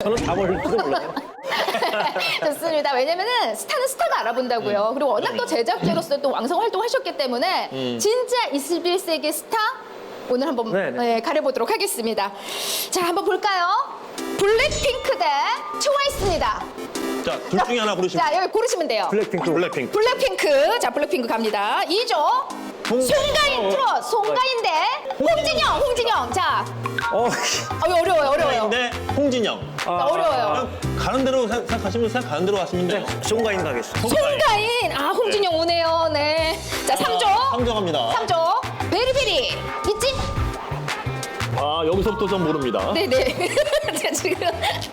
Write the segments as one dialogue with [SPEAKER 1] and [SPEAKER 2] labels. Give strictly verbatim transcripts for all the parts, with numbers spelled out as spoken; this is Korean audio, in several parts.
[SPEAKER 1] 저는 다 모를지도 몰라요.
[SPEAKER 2] 좋습니다. 왜냐면은 스타는 스타가 알아본다고요. 그리고 워낙 또 제작자로서 또 왕성 활동하셨기 때문에
[SPEAKER 1] 음.
[SPEAKER 2] 진짜 이십일 세기 스타 오늘 한번
[SPEAKER 1] 네네.
[SPEAKER 2] 네, 가려보도록 하겠습니다. 자, 한번 볼까요? 블랙핑크 대 트와이스입니다.
[SPEAKER 1] 자, 둘 중에 하나 고르시면
[SPEAKER 2] 자, 여기 고르시면 돼요.
[SPEAKER 1] 블랙핑크. 블랙핑크.
[SPEAKER 2] 블랙핑크. 자, 블랙핑크 갑니다. 이 조. 송가인 트롯. 송가인 대 홍진영. 홍진영. 자,
[SPEAKER 1] 어,
[SPEAKER 2] 어, 어려워요. 어려워요.
[SPEAKER 1] 네, 홍진영.
[SPEAKER 2] 자, 어려워요.
[SPEAKER 1] 그냥 가는 대로 생- 생각하시면 생각하는 대로 하시면 돼요.
[SPEAKER 3] 송가인 가겠습니다.
[SPEAKER 2] 송가인. 아, 홍진영 오네요. 네. 자, 삼 조.
[SPEAKER 1] 상정합니다.
[SPEAKER 2] 삼 조. 베리베리. 있지?
[SPEAKER 1] 아, 여기서부터 좀 모릅니다.
[SPEAKER 2] 네네. 자, 지금.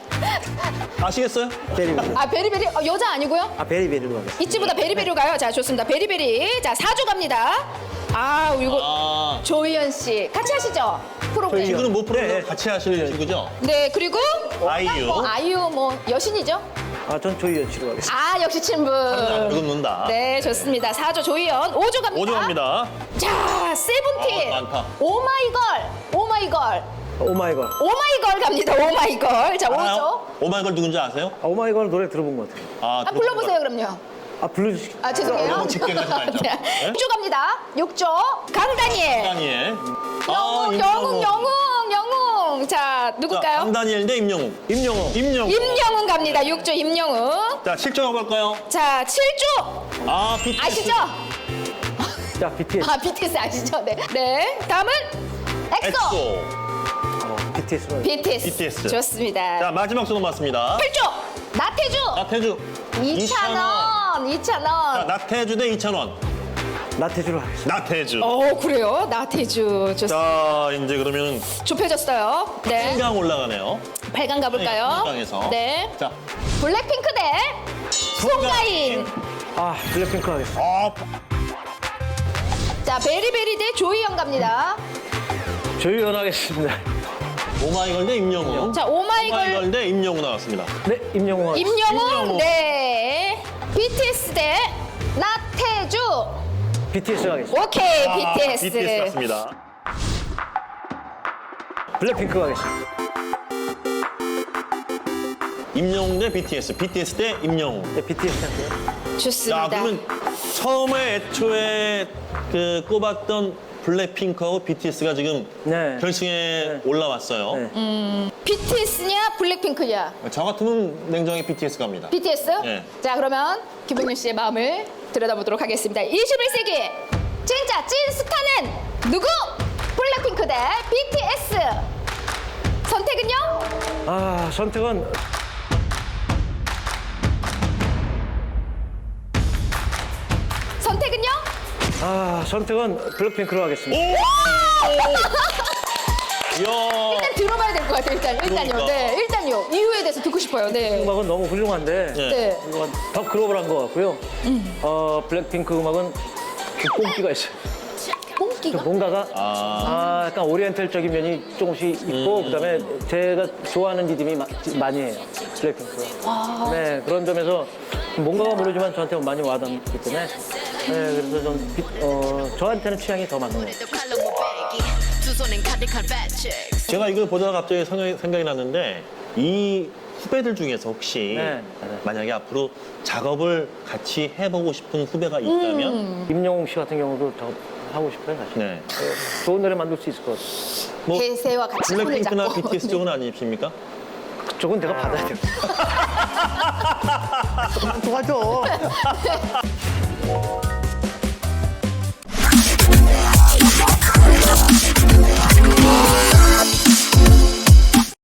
[SPEAKER 1] 아시겠어요?
[SPEAKER 3] 베리베리.
[SPEAKER 2] 아, 베리베리. 어, 여자 아니고요?
[SPEAKER 3] 아, 베리베리로 가겠습니다.
[SPEAKER 2] 이치보다 베리베리로 가요. 자, 좋습니다. 베리베리. 자, 사 조 갑니다. 아, 이거
[SPEAKER 1] 아,
[SPEAKER 2] 조희연 씨. 같이 하시죠? 프로그램.
[SPEAKER 1] 지금은 뭐 프로그램
[SPEAKER 3] 네.
[SPEAKER 1] 같이 하실 친구죠?
[SPEAKER 2] 네, 그리고
[SPEAKER 1] 아이유.
[SPEAKER 2] 뭐 아이유 뭐 여신이죠?
[SPEAKER 3] 아, 전 조희연 씨로 가겠습니다.
[SPEAKER 2] 아, 역시 친분.
[SPEAKER 1] 안 긁는다.
[SPEAKER 2] 네, 좋습니다. 사 조 조희연. 오 조 갑니다.
[SPEAKER 1] 오 조 갑니다.
[SPEAKER 2] 자, 세븐틴.
[SPEAKER 1] 아, 많다.
[SPEAKER 2] 오마이걸. 오마이걸.
[SPEAKER 3] 오마이걸.
[SPEAKER 2] 오마이걸 갑니다. 오마이걸. 자, 오 조.
[SPEAKER 1] 알아요? 오마이걸 누군지 아세요?
[SPEAKER 3] 아, 오마이걸 노래 들어본 것 같아요.
[SPEAKER 1] 아,
[SPEAKER 2] 아, 불러보세요, 그럼요.
[SPEAKER 3] 아, 불러주시.
[SPEAKER 2] 아, 죄송해요.
[SPEAKER 1] 너무 집게까지 말죠.
[SPEAKER 2] 네. 육 조 갑니다. 육 조. 강다니엘.
[SPEAKER 1] 다니엘.
[SPEAKER 2] 영웅, 영웅, 영웅, 영웅. 자, 누굴까요?
[SPEAKER 1] 강다니엘 대 임영웅.
[SPEAKER 3] 임영웅.
[SPEAKER 1] 임영웅.
[SPEAKER 2] 임영웅 갑니다. 육 조 임영웅.
[SPEAKER 1] 자, 칠 조 가볼까요?
[SPEAKER 2] 자, 칠 조.
[SPEAKER 1] 아, 비티에스.
[SPEAKER 2] 아시죠?
[SPEAKER 3] 자, 비티에스.
[SPEAKER 2] 아, 비티에스 아시죠? 네. 네. 다음은 엑소.
[SPEAKER 1] 엑소.
[SPEAKER 3] 어, 비티에스로 가겠습니다.
[SPEAKER 2] 비티에스.
[SPEAKER 1] 비티에스.
[SPEAKER 2] 좋습니다.
[SPEAKER 1] 자, 마지막 수도 맞습니다.
[SPEAKER 2] 팔 조. 나태주.
[SPEAKER 1] 나태주.
[SPEAKER 2] 이천 원. 이천
[SPEAKER 1] 자,
[SPEAKER 2] 원.
[SPEAKER 1] 나태주 대 이천 원.
[SPEAKER 3] 나태주로 가겠습니다.
[SPEAKER 1] 나태주.
[SPEAKER 2] 어, 그래요? 나태주. 좋습니다.
[SPEAKER 1] 자, 이제 그러면
[SPEAKER 2] 좁혀졌어요. 네.
[SPEAKER 1] 팔 강 올라가네요.
[SPEAKER 2] 팔 강 가볼까요?
[SPEAKER 1] 팔 강에서.
[SPEAKER 2] 네.
[SPEAKER 1] 자,
[SPEAKER 2] 블랙핑크 대 송가인.
[SPEAKER 3] 아, 블랙핑크 가겠습니다.
[SPEAKER 1] 아,
[SPEAKER 2] 자, 베리베리 대 조이영 갑니다.
[SPEAKER 3] 조희연 하겠습니다.
[SPEAKER 1] 오마이걸 대 임영웅.
[SPEAKER 2] 자, 오마이걸.
[SPEAKER 1] 오마이걸 대 임영웅 나왔습니다.
[SPEAKER 3] 네, 임영웅 하겠습니다.
[SPEAKER 2] 임영웅.
[SPEAKER 1] 임영웅.
[SPEAKER 2] 네. 비티에스 대 나태주.
[SPEAKER 3] 비티에스 가겠습니다.
[SPEAKER 2] 오케이,
[SPEAKER 1] 아,
[SPEAKER 2] 비티에스.
[SPEAKER 1] 비티에스 맞습니다.
[SPEAKER 3] 블랙핑크 가겠습니다.
[SPEAKER 1] 임영웅 대 비티에스. 비티에스 대 임영웅.
[SPEAKER 3] 네, 비티에스 할게요.
[SPEAKER 2] 좋습니다.
[SPEAKER 1] 자, 그러면 처음에 애초에 그 꼽았던 블랙핑크하고 비티에스가 지금
[SPEAKER 3] 네.
[SPEAKER 1] 결승에 올라왔어요.
[SPEAKER 3] 네.
[SPEAKER 2] 비티에스냐 블랙핑크냐?
[SPEAKER 1] 저 같으면 냉정히 비티에스 갑니다.
[SPEAKER 2] 비티에스?
[SPEAKER 1] 네.
[SPEAKER 2] 자, 그러면 김봉윤 씨의 마음을 들여다보도록 하겠습니다. 이십일 세기 진짜 찐 스타는 누구? 블랙핑크 대 비티에스. 선택은요?
[SPEAKER 3] 아, 선택은
[SPEAKER 2] 선택은요?
[SPEAKER 3] 아, 선택은 블랙핑크로 하겠습니다.
[SPEAKER 1] 이야.
[SPEAKER 2] 일단 들어봐야 될 것 같아요. 일단 일단요.
[SPEAKER 1] 그러니까.
[SPEAKER 2] 네, 일단요. 이유에 대해서 듣고 싶어요. 네.
[SPEAKER 3] 음악은 너무 훌륭한데
[SPEAKER 1] 네.
[SPEAKER 2] 네.
[SPEAKER 3] 이건 더 글로벌한 것 같고요. 어, 블랙핑크 음악은 그 뽕기가 있어요.
[SPEAKER 2] 뽕기가?
[SPEAKER 3] 그 뭔가가
[SPEAKER 1] 아,
[SPEAKER 3] 아, 약간 오리엔탈적인 면이 조금씩 있고 그다음에 제가 좋아하는 리듬이 마- 많이 해요. 블랙핑크가. 네, 그런 점에서 뭔가가 모르지만 저한테 많이 와닿기 때문에 네, 그래서 좀 비- 어, 저한테는 취향이 더 맞는 것 같아요.
[SPEAKER 1] 제가 이걸 보다가 갑자기 생각이, 생각이 났는데 이 후배들 중에서 혹시
[SPEAKER 3] 네.
[SPEAKER 1] 만약에 앞으로 작업을 같이 해보고 싶은 후배가 있다면
[SPEAKER 3] 임영웅 씨 같은 경우도 더 하고 싶어요, 사실.
[SPEAKER 1] 네.
[SPEAKER 3] 좋은 노래 만들 수 있을 것 같아요.
[SPEAKER 1] 뭐
[SPEAKER 2] 대세와 같이 손을
[SPEAKER 1] 블랙핑크나
[SPEAKER 2] 잡고.
[SPEAKER 1] 비티에스
[SPEAKER 2] 네.
[SPEAKER 1] 쪽은 아니십니까?
[SPEAKER 3] 그쪽은 내가 받아야 돼요. 도와줘.